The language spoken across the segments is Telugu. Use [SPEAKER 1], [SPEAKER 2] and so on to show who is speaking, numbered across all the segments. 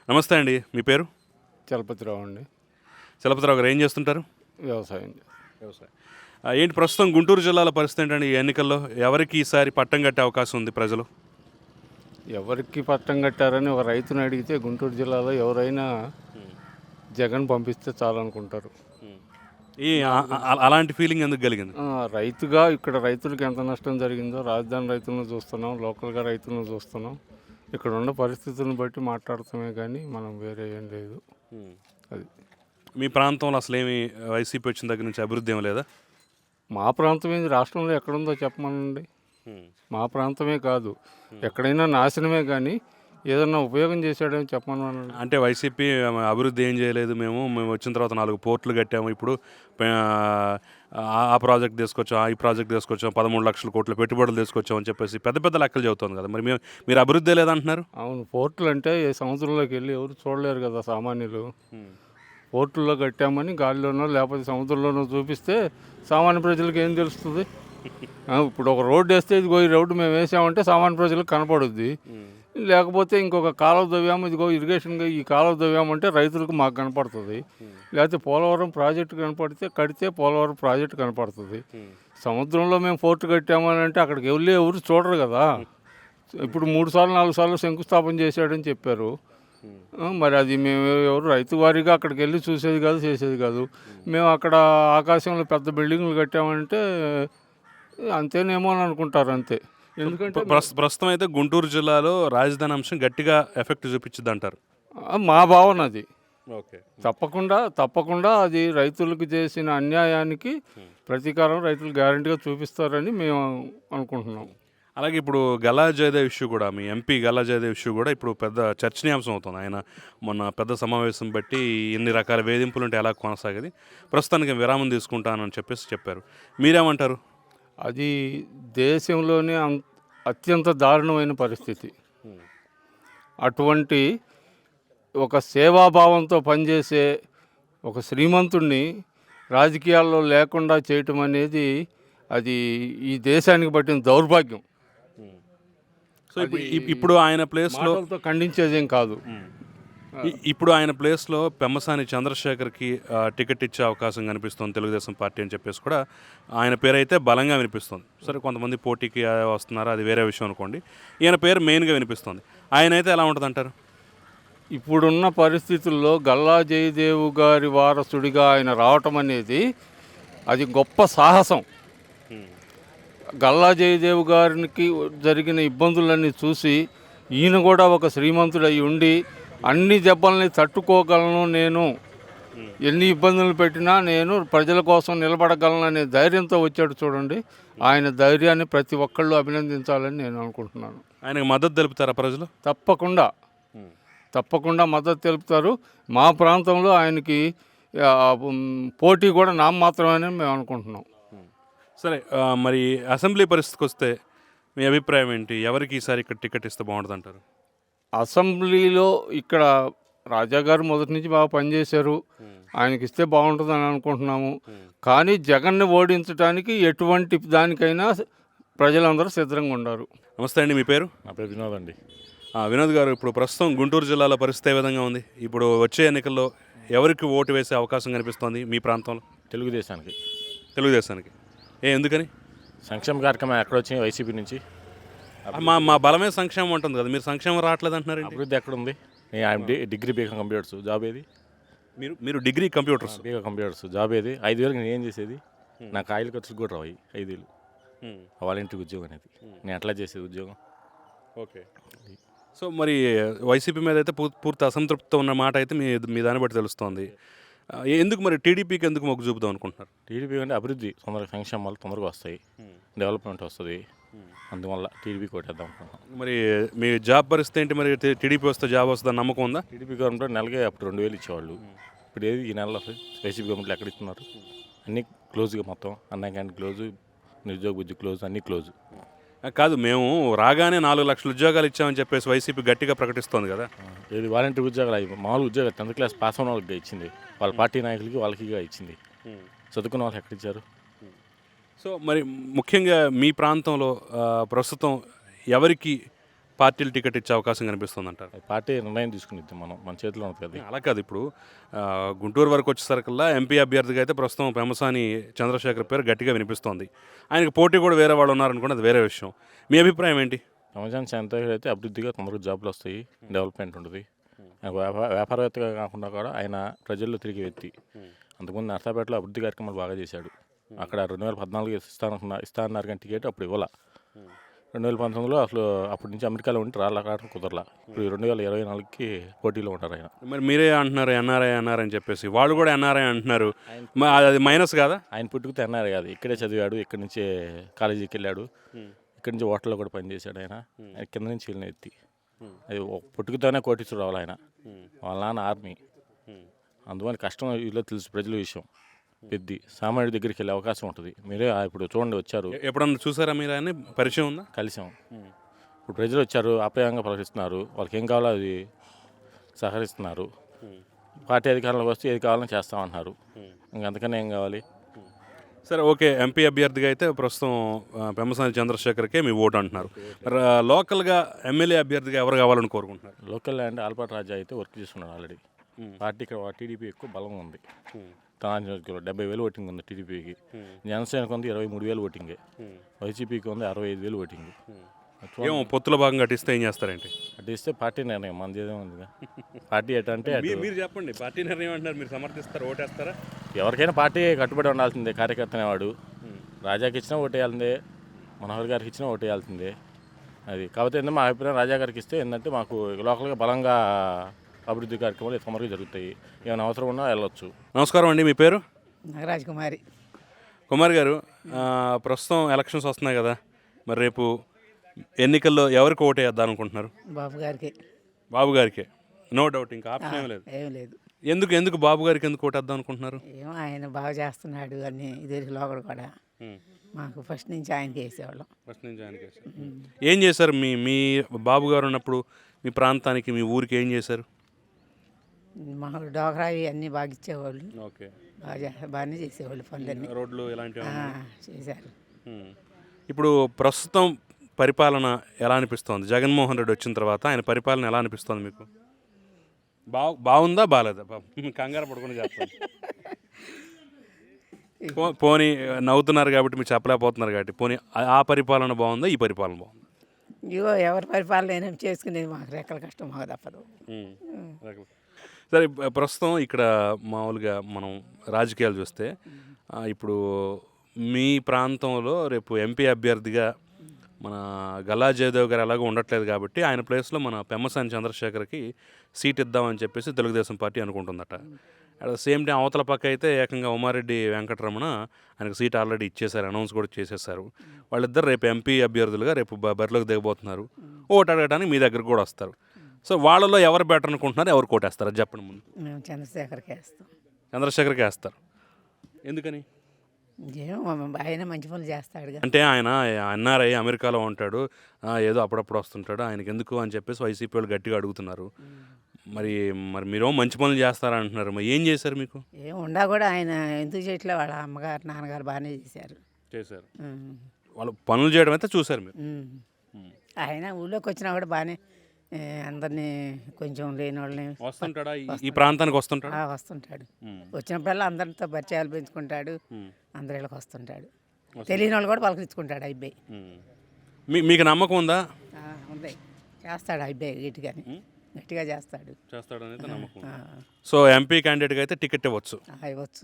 [SPEAKER 1] నమస్తే అండి. మీ పేరు?
[SPEAKER 2] చలపతిరావు అండి.
[SPEAKER 1] చలపతిరావు గారు ఏం చేస్తుంటారు?
[SPEAKER 2] వ్యవసాయం.
[SPEAKER 1] వ్యవసాయం. ఏంటి ప్రస్తుతం గుంటూరు జిల్లాల పరిస్థితి ఏంటండి? ఈ ఎన్నికల్లో ఎవరికి ఈసారి పట్టం కట్టే అవకాశం ఉంది ప్రజలు?
[SPEAKER 2] ఎవరికి పట్టం కట్టారని ఒక రైతుని అడిగితే గుంటూరు జిల్లాలో ఎవరైనా జగన్ పంపిస్తే చాలనుకుంటారు.
[SPEAKER 1] ఈ అలాంటి ఫీలింగ్ ఎందుకు కలిగింది?
[SPEAKER 2] రైతుగా ఇక్కడ రైతులకు ఎంత నష్టం జరిగిందో రాజధాని రైతులను చూస్తున్నాం, లోకల్గా రైతులను చూస్తున్నాం. ఇక్కడ ఉన్న పరిస్థితులను బట్టి మాట్లాడతామే కానీ మనం వేరే ఏం లేదు. అది
[SPEAKER 1] మీ ప్రాంతంలో అసలు ఏమి వైసీపీ వచ్చిన దగ్గర నుంచి అభివృద్ధి ఏమి లేదా?
[SPEAKER 2] మా ప్రాంతం ఏంది, రాష్ట్రంలో ఎక్కడుందో చెప్పమనండి. మా ప్రాంతమే కాదు, ఎక్కడైనా నాశనమే కానీ ఏదన్నా ఉపయోగం చేశాడని చెప్పమనండి.
[SPEAKER 1] అంటే వైసీపీ అభివృద్ధి ఏం చేయలేదు, మేము వచ్చిన తర్వాత 4 పోర్టులు కట్టాము, ఇప్పుడు ఆ ప్రాజెక్ట్ తీసుకొచ్చాం, ఈ ప్రాజెక్ట్ తీసుకొచ్చాం, 13 లక్షల కోట్ల పెట్టుబడులు తీసుకొచ్చాం అని చెప్పేసి పెద్ద పెద్ద లెక్కలు చెబుతుంది కదా. మరి మీరు అభివృద్ధి లేదంటున్నారు.
[SPEAKER 2] అవును, పోర్టులు అంటే సముద్రంలోకి వెళ్ళి ఎవరు చూడలేరు కదా సామాన్యులు. పోర్టుల్లో కట్టామని గాలిలోనో లేకపోతే సముద్రంలోనో చూపిస్తే సామాన్య ప్రజలకు ఏం తెలుస్తుంది? ఇప్పుడు ఒక రోడ్డు వేస్తే ఇదిగో ఈ రోడ్డు మేము వేసామంటే సామాన్య ప్రజలకు కనపడుద్ది. లేకపోతే ఇంకొక కాలువ దవ్యాము, ఇదిగో ఇరిగేషన్గా ఈ కాలువ దవ్యామంటే రైతులకు మాకు కనపడుతుంది. లేకపోతే పోలవరం ప్రాజెక్టు కడితే పోలవరం ప్రాజెక్టు కనపడుతుంది. సముద్రంలో మేము పోర్టు కట్టామని అంటే అక్కడికి వెళ్ళి ఎవరు చూడరు కదా. ఇప్పుడు 3 సార్లు 4 సార్లు శంకుస్థాపన చేశాడని చెప్పారు. మరి అది మేము ఎవరు రైతు వారీగా అక్కడికి వెళ్ళి చూసేది కాదు, చేసేది కాదు. మేము అక్కడ ఆకాశంలో పెద్ద బిల్డింగ్లు కట్టామంటే అంతేనేమో అని అనుకుంటారు, అంతే. ఎందుకంటే
[SPEAKER 1] ప్రస్తుతం అయితే గుంటూరు జిల్లాలో రాజధాని అంశం గట్టిగా ఎఫెక్ట్ చూపించింది అంటారు.
[SPEAKER 2] మా భావన అది.
[SPEAKER 1] ఓకే,
[SPEAKER 2] తప్పకుండా అది రైతులకు చేసిన అన్యాయానికి ప్రతీకారం రైతులు గ్యారంటీగా చూపిస్తారని మేము అనుకుంటున్నాం.
[SPEAKER 1] అలాగే ఇప్పుడు గల్లా జయదేవ్ ఇష్యూ కూడా, మీ ఎంపీ గల్లా జయదేవ్ ఇష్యూ కూడా ఇప్పుడు పెద్ద చర్చనీయాంశం అవుతుంది. ఆయన మొన్న పెద్ద సమావేశం బట్టి ఇన్ని రకాల వేధింపులు ఉంటే ఎలా కొనసాగేది, ప్రస్తుతానికి విరామం తీసుకుంటానని చెప్పారు. మీరేమంటారు?
[SPEAKER 2] అది దేశంలోనే అత్యంత దారుణమైన పరిస్థితి. అటువంటి ఒక సేవాభావంతో పనిచేసే ఒక శ్రీమంతుణ్ణి రాజకీయాల్లో లేకుండా చేయటం అనేది అది ఈ దేశానికి పట్టిన దౌర్భాగ్యం.
[SPEAKER 1] సో ఇప్పుడు ఆయన ప్లేస్లో
[SPEAKER 2] ఖండించేదేం కాదు.
[SPEAKER 1] ఇప్పుడు ఆయన ప్లేస్లో పెమ్మసాని చంద్రశేఖర్కి టికెట్ ఇచ్చే అవకాశం కనిపిస్తుంది తెలుగుదేశం పార్టీ అని చెప్పేసి కూడా ఆయన పేరు అయితే బలంగా వినిపిస్తుంది. సరే, కొంతమంది పోటీకి వస్తున్నారు, అది వేరే విషయం అనుకోండి. ఈయన పేరు మెయిన్గా వినిపిస్తుంది. ఆయన అయితే ఎలా ఉంటుంది అంటారు?
[SPEAKER 2] ఇప్పుడున్న పరిస్థితుల్లో గల్లా జయదేవ్ గారి వారసుడిగా ఆయన రావటం అనేది అది గొప్ప సాహసం. గల్లా జయదేవ్ గారికి జరిగిన ఇబ్బందులన్నీ చూసి ఈయన కూడా ఒక శ్రీమంతుడై ఉండి అన్ని దెబ్బల్ని తట్టుకోగలను, నేను ఎన్ని ఇబ్బందులు పెట్టినా నేను ప్రజల కోసం నిలబడగలను అనే ధైర్యంతో వచ్చాడు చూడండి. ఆయన ధైర్యాన్ని ప్రతి ఒక్కళ్ళు అభినందించాలని నేను అనుకుంటున్నాను.
[SPEAKER 1] ఆయనకు మద్దతు తెలుపుతారా ప్రజలు?
[SPEAKER 2] తప్పకుండా మద్దతు తెలుపుతారు. మా ప్రాంతంలో ఆయనకి పోటీ కూడా నామమాత్రమని మేము అనుకుంటున్నాం.
[SPEAKER 1] సరే, మరి అసెంబ్లీ పరిస్థితికి వస్తే మీ అభిప్రాయం ఏంటి? ఎవరికి ఈసారి ఇక్కడ టికెట్ ఇస్తే బాగుంటుంది అంటారు?
[SPEAKER 2] అసెంబ్లీలో ఇక్కడ రాజాగారు మొదటి నుంచి బాగా పనిచేశారు, ఆయనకి ఇస్తే బాగుంటుందని అనుకుంటున్నాము. కానీ జగన్ని ఓడించడానికి ఎటువంటి దానికైనా ప్రజలందరూ సిద్ధంగా ఉన్నారు.
[SPEAKER 1] నమస్తే అండి, మీ పేరు?
[SPEAKER 3] నా పేరు వినోద్ అండి.
[SPEAKER 1] వినోద్ గారు, ఇప్పుడు ప్రస్తుతం గుంటూరు జిల్లాలో పరిస్థితి ఏ విధంగా ఉంది? ఇప్పుడు వచ్చే ఎన్నికల్లో ఎవరికి ఓటు వేసే అవకాశం కనిపిస్తోంది మీ ప్రాంతంలో? తెలుగుదేశానికి. ఎందుకని?
[SPEAKER 3] సంక్షేమ కార్యక్రమం ఎక్కడ వచ్చినాయి వైసీపీ నుంచి?
[SPEAKER 1] మా బలమే సంక్షేమం ఉంటుంది కదా, మీరు సంక్షేమం రావట్లేదు అంటున్నారు.
[SPEAKER 3] అభివృద్ధి ఎక్కడుంది? నేను డిగ్రీ బీకాం కంప్యూటర్స్, జాబ్ ఏది?
[SPEAKER 1] మీరు degree computers,
[SPEAKER 3] B Com computers, job ఏది? 5,000 నేను ఏం చేసేది? నాకు ఆయిల్ ఖర్చులు కూడా రావు 5,000. వాలంటీర్ ఉద్యోగం అనేది నేను ఎట్లా చేసేది ఉద్యోగం?
[SPEAKER 1] ఓకే. సో మరి వైసీపీ మీద అయితే పూర్తి అసంతృప్తితో ఉన్న మాట అయితే మీ దాన్ని బట్టి తెలుస్తోంది. ఎందుకు మరి టీడీపీకి ఎందుకు మొగ్గు చూపుదాం అనుకుంటున్నారు?
[SPEAKER 3] టీడీపీ అంటే అభివృద్ధి తొందరగా, సంక్షేమాలు తొందరగా వస్తాయి, డెవలప్మెంట్ వస్తుంది, అందువల్ల టీడీపీ కొట్టేద్దాం అనుకుంటున్నాం.
[SPEAKER 1] మరి మీ జాబ్ పరిస్థితి ఏంటి? మరి టీడీపీ వస్తే జాబ్ వస్తుందని నమ్మకం ఉందా?
[SPEAKER 3] టీడీపీ గవర్నమెంట్ నెలకే అప్పుడు 2,000 ఇచ్చేవాళ్ళు. ఇప్పుడు ఏది ఈ నెలలో వైసీపీ గవర్నమెంట్లో ఎక్కడ ఇస్తున్నారు? అన్నీ క్లోజ్గా, మొత్తం అన్న క్యాంటీన్ క్లోజు, నిరుద్యోగ బుద్ధి క్లోజ్, అన్నీ క్లోజు.
[SPEAKER 1] కాదు, మేము రాగానే 4 లక్షల ఉద్యోగాలు ఇచ్చామని చెప్పేసి వైసీపీ గట్టిగా ప్రకటిస్తోంది కదా.
[SPEAKER 3] ఏది వాలంటీర్ ఉద్యోగాలు? మామూలు ఉద్యోగాలు 10th క్లాస్ పాస్ అయిన వాళ్ళకి ఇచ్చింది, వాళ్ళ పార్టీ నాయకులకి వాళ్ళకి ఇచ్చింది. చదువుకున్న వాళ్ళకి ఎక్కడిచ్చారు?
[SPEAKER 1] సో మరి ముఖ్యంగా మీ ప్రాంతంలో ప్రస్తుతం ఎవరికి పార్టీలు టికెట్ ఇచ్చే అవకాశం కనిపిస్తుంది అంటారు?
[SPEAKER 3] పార్టీ నిర్ణయం తీసుకునిద్ది, మన చేతిలో ఉంటుంది కదా.
[SPEAKER 1] అలా కాదు, ఇప్పుడు గుంటూరు వరకు వచ్చేసరికల్లా ఎంపీ అభ్యర్థిగా అయితే ప్రస్తుతం పెమ్మసాని చంద్రశేఖర్ పేరు గట్టిగా వినిపిస్తోంది. ఆయనకు పోటీ కూడా వేరే వాళ్ళు ఉన్నారనుకోండి, అది వేరే విషయం. మీ అభిప్రాయం ఏంటి?
[SPEAKER 3] పెమ్మసాని చంద్రశేఖర్ అయితే అభివృద్ధిగా తొందరగా జాబ్లు వస్తాయి, డెవలప్మెంట్ ఉంటుంది. వ్యాపారవేత్తగా కాకుండా కూడా ఆయన ప్రజల్లో తిరిగి వ్యక్తి. అంతకుముందు నర్సాపేటలో అభివృద్ధి కార్యక్రమాలు బాగా చేశాడు. అక్కడ 2014 ఇస్తానన్నారు కానీ టికెట్ అప్పుడు ఇవ్వాల. 2019లో అసలు అప్పటి నుంచి అమెరికాలో ఉండి రావడం కుదరలా. ఇప్పుడు 2024కి పోటీలో ఉంటారు ఆయన.
[SPEAKER 1] మరి మీరే అంటున్నారు ఎన్ఆర్ఐ అని చెప్పేసి, వాళ్ళు కూడా ఎన్ఆర్ఐ అంటున్నారు. అది మైనస్ కాదా?
[SPEAKER 3] ఆయన పుట్టుకుతే అన్నారు కాదు, ఇక్కడే చదివాడు, ఇక్కడి నుంచే కాలేజీకి వెళ్ళాడు, ఇక్కడి నుంచి హోటల్లో కూడా పనిచేశాడు. ఆయన కింద నుంచి వెళ్ళిన ఎత్తి అది పుట్టుకుతోనే కోటీశ్వరు రావాలి. ఆయన వాళ్ళ నాన్న ఆర్మీ, అందువల్ల కష్టం ఇలా తెలుసు ప్రజల విషయం. పెద్ద సామాన్యుడి దగ్గరికి వెళ్ళే అవకాశం ఉంటుంది. మీరే ఇప్పుడు చూడండి, వచ్చారు,
[SPEAKER 1] ఎప్పుడన్నా చూసారా మీరు? ఆయన పరిచయం ఉందా?
[SPEAKER 3] కలిసాం. ఇప్పుడు ప్రజలు వచ్చారు, ఆప్యాయంగా ప్రవర్తిస్తున్నారు, వాళ్ళకి ఏం కావాలో అది సహకరిస్తున్నారు. పార్టీ అధికారంలోకి వస్తే ఏది కావాలని చేస్తామన్నారు, ఇంకంతకన్నా ఏం కావాలి?
[SPEAKER 1] సరే, ఓకే. ఎంపీ అభ్యర్థిగా అయితే ప్రస్తుతం పెమ్మసాని చంద్రశేఖర్కే మీ ఓటు అంటున్నారు. లోకల్గా ఎమ్మెల్యే అభ్యర్థిగా ఎవరు కావాలని కోరుకుంటున్నారు?
[SPEAKER 3] లోకల్ అండ్ ఆల్పాటి రాజా అయితే వర్క్ చేస్తున్నాడు ఆల్రెడీ. పార్టీ ఇక్కడ టీడీపీ ఎక్కువ బలం ఉంది. 70,000 ఓటింగ్ ఉంది టీడీపీకి. జనసేనకు ఉంది 23,000 ఓటింగే. వైసీపీకి ఉంది 65,000 ఓటింగ్.
[SPEAKER 1] ఏమో పొత్తుల భాగంగా అటిస్తే ఏం చేస్తారేంటి?
[SPEAKER 3] అటిస్తే పార్టీ నిర్ణయం, మనది ఏదో ఉందిగా. పార్టీ ఎటంటే
[SPEAKER 1] మీరు చెప్పండి, పార్టీ నిర్ణయం అంటారు, మీరు సమర్థిస్తారు, ఓటేస్తారా?
[SPEAKER 3] ఎవరికైనా పార్టీ కట్టుబడి ఉండాల్సిందే. కార్యకర్త అనేవాడు రాజాకి ఇచ్చినా ఓటేయాల్సిందే, మనోహర్ గారికి ఇచ్చినా ఓటేయాల్సిందే. అది కాకపోతే ఏంటంటే మా అభిప్రాయం, రాజా గారికి ఇస్తే ఏంటంటే మాకు లోకల్గా బలంగా అభివృద్ధి కార్యక్రమాలు తొందరగా జరుగుతాయి. ఏమైనా అవసరం ఉన్నా వెళ్ళొచ్చు.
[SPEAKER 1] నమస్కారం అండి, మీ పేరు?
[SPEAKER 4] నాగరాజ్ కుమారి.
[SPEAKER 1] కుమార్ గారు, ప్రస్తుతం ఎలక్షన్స్ వస్తున్నాయి కదా, మరి రేపు ఎన్నికల్లో ఎవరికి ఓటు వేద్దాం అనుకుంటున్నారు?
[SPEAKER 4] బాబు గారికి.
[SPEAKER 1] బాబు గారికి, నో డౌట్, ఇంకా ఆప్షన్ ఏం లేదు.
[SPEAKER 4] ఏం లేదు.
[SPEAKER 1] ఎందుకు బాబు గారికి ఎందుకు ఓటేద్దాం అనుకుంటున్నారు?
[SPEAKER 4] ఏమో ఆయన బాగా చేస్తున్నాడు అన్ని ఇది లోకల్ కూడా. మాకు ఫస్ట్ నుంచి ఆయనకి వేసేవాళ్ళం.
[SPEAKER 1] ఫస్ట్ నుంచి ఆయనకి. ఏం చేశారు మీ బాబు గారు ఉన్నప్పుడు మీ ప్రాంతానికి, మీ ఊరికి ఏం చేశారు?
[SPEAKER 4] మాకు డోకరా అన్నీ బాగా ఇచ్చేవాళ్ళు.
[SPEAKER 1] ఓకే,
[SPEAKER 4] బాగానే చేసేవాళ్ళు పనులన్నీ.
[SPEAKER 1] రోడ్లు ఇలాంటివి
[SPEAKER 4] చేశారు.
[SPEAKER 1] ఇప్పుడు ప్రస్తుతం పరిపాలన ఎలా అనిపిస్తోంది? జగన్మోహన్ రెడ్డి వచ్చిన తర్వాత ఆయన పరిపాలన ఎలా అనిపిస్తోంది మీకు? బాగుందా బాగాలేదా? కంగారు పడుకుని చెప్తాను. పోనీ నవ్వుతున్నారు కాబట్టి మీరు చెప్పలేకపోతున్నారు కాబట్టి, పోనీ ఆ పరిపాలన బాగుందా, ఈ పరిపాలన బాగుందా?
[SPEAKER 4] ఇగో ఎవరి పరిపాలన అయినా చేసుకునేది మాకు రెక్కల కష్టం, మాకు తప్పదు.
[SPEAKER 1] సరే, ప్రస్తుతం ఇక్కడ మామూలుగా మనం రాజకీయాలు చూస్తే, ఇప్పుడు మీ ప్రాంతంలో రేపు ఎంపీ అభ్యర్థిగా మన గల్లా జయదేవ్ గారు ఎలాగో ఉండట్లేదు కాబట్టి ఆయన ప్లేస్లో మన పెమ్మసాని చంద్రశేఖర్కి సీట్ ఇద్దామని చెప్పేసి తెలుగుదేశం పార్టీ అనుకుంటుందట. అట్ ద సేమ్ టైం అవతల పక్క అయితే ఏకంగా ఉమారెడ్డి వెంకటరమణ ఆయనకు సీట్ ఆల్రెడీ ఇచ్చేశారు, అనౌన్స్ కూడా చేసేసారు. వాళ్ళిద్దరు రేపు ఎంపీ అభ్యర్థులుగా రేపు బరిలోకి దిగబోతున్నారు. ఓటు అడగడానికి మీ దగ్గరకు కూడా వస్తారు. సో వాళ్ళలో ఎవరు బెటర్ అనుకుంటున్నారు, ఎవరు కోటేస్తారు అది చెప్పండి ముందు.
[SPEAKER 4] మేము చంద్రశేఖర్కి వేస్తాం.
[SPEAKER 1] చంద్రశేఖర్కి వేస్తారు. ఎందుకని?
[SPEAKER 4] ఏమో ఆయన మంచి పనులు చేస్తాడు.
[SPEAKER 1] అంటే ఆయన ఎన్ఆర్ఐ, అమెరికాలో ఉంటాడు, ఏదో అప్పుడప్పుడు వస్తుంటాడు, ఆయనకి ఎందుకు అని చెప్పేసి వైసీపీ వాళ్ళు గట్టిగా అడుగుతున్నారు. మరి మీరు మంచి పనులు చేస్తారంటున్నారు, మరి ఏం చేశారు? మీకు
[SPEAKER 4] ఏం ఉండా కూడా ఆయన ఎందుకు చేయట్లే, వాళ్ళ అమ్మగారు నాన్నగారు బాగానే చేశారు.
[SPEAKER 1] వాళ్ళు పనులు చేయడం అయితే చూశారు మీరు.
[SPEAKER 4] ఆయన ఊళ్ళోకి వచ్చినా కూడా బాగానే అందరినీ కొంచెం లేని వాళ్ళని
[SPEAKER 1] వస్తుంటాడా, ఈ ప్రాంతానికి వస్తుంటాడు?
[SPEAKER 4] వస్తుంటాడు. వచ్చినప్పుడల్లా అందరితో పరిచయాలు పెంచుకుంటాడు, అందరి ఇళ్ళకి వస్తుంటాడు. తెలియని వాళ్ళు కూడా పలకరించుకుంటాడు అబ్బాయి.
[SPEAKER 1] మీకు నమ్మకం ఉందా?
[SPEAKER 4] ఉంది, చేస్తాడు అబ్బాయి గట్టిగా చేస్తాడు.
[SPEAKER 1] చేస్తాడనైతే నమ్మకం. సో ఎంపీ క్యాండిడేట్గా అయితే టికెట్ ఇవ్వచ్చు.
[SPEAKER 4] ఇవ్వచ్చు.